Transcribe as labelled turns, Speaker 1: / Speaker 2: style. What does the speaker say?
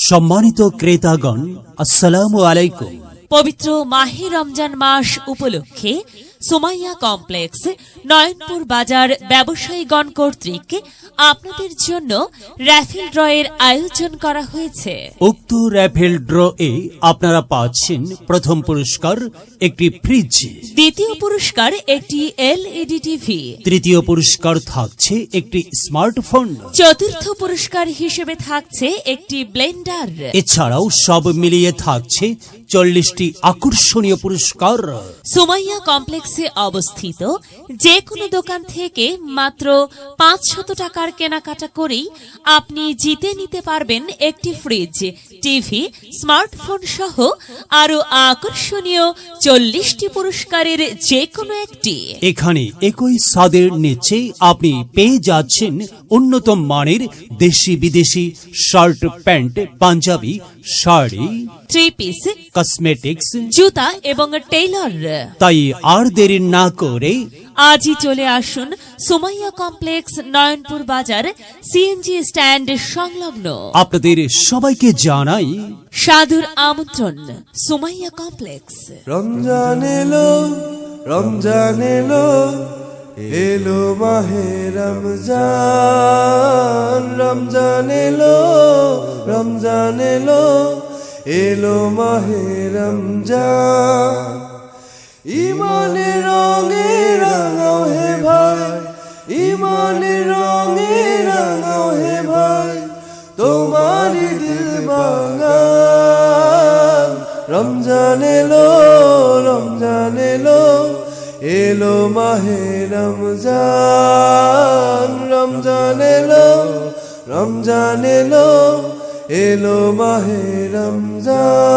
Speaker 1: সম্মানিত ক্রেতাগণ, আসসালামু আলাইকুম।
Speaker 2: পবিত্র মাহে রমজান মাস উপলক্ষে সুমাইয়া কমপ্লেক্স নয়নপুর বাজার ব্যবসায়ীগণ কর্তৃক আপনাদের জন্য র্যাফেল ড্রয়ের আয়োজন করা হয়েছে।
Speaker 1: উক্ত র্যাফেল ড্র এ আপনারা পাচ্ছেন প্রথম পুরস্কার একটি ফ্রিজ,
Speaker 2: দ্বিতীয় পুরস্কার একটি এলইডি টিভি,
Speaker 1: তৃতীয় পুরস্কার থাকছে একটি স্মার্টফোন,
Speaker 2: চতুর্থ পুরস্কার হিসেবে থাকছে একটি ব্লেন্ডার।
Speaker 1: এছাড়াও সব মিলিয়ে থাকছে 40টি আকর্ষণীয় পুরস্কার।
Speaker 2: সুমাইয়া কমপ্লেক্সে অবস্থিত যে কোনো দোকান থেকে মাত্র 500 টাকার কেনাকাটা করেই আপনি জিতে নিতে পারবেন একটি ফ্রিজ, টিভি, স্মার্টফোন সহ আরো আকর্ষণীয় 40টি পুরস্কারের যে কোনো একটি।
Speaker 1: এখানে একই স্বাদের নিচে আপনি পেয়ে যাচ্ছেন উন্নত মানের দেশি বিদেশি shirt, pant, panjabi, sari,
Speaker 2: three piece,
Speaker 1: cosmetics,
Speaker 2: জুতা এবং টেইলর।
Speaker 1: তাই আর দেরি না করে
Speaker 2: আজই চলে আসুন সুমাইয়া কমপ্লেক্স নয়নপুর বাজার সিএনজি স্ট্যান্ড সংলগ্ন।
Speaker 1: আপনাদের সবাইকে জানাই
Speaker 2: সাদর আমন্ত্রণ সুমাইয়া কমপ্লেক্স।
Speaker 3: রমজান এলো, রমজান এলো, এলো মাহে রমজান। রমজান এলো, রমজান এলো, এলো মাহে রমজান। ইমানের রঙে রাঙাও হে ভাই, ইমানের রঙে রাঙাও হে ভাই, তোমারই দিল বাগান। রমজান এলো, রমজান এলো, এলো মাহে রমজান। রমজান এলো, রমজান এলো, এলো মাহে রমজান।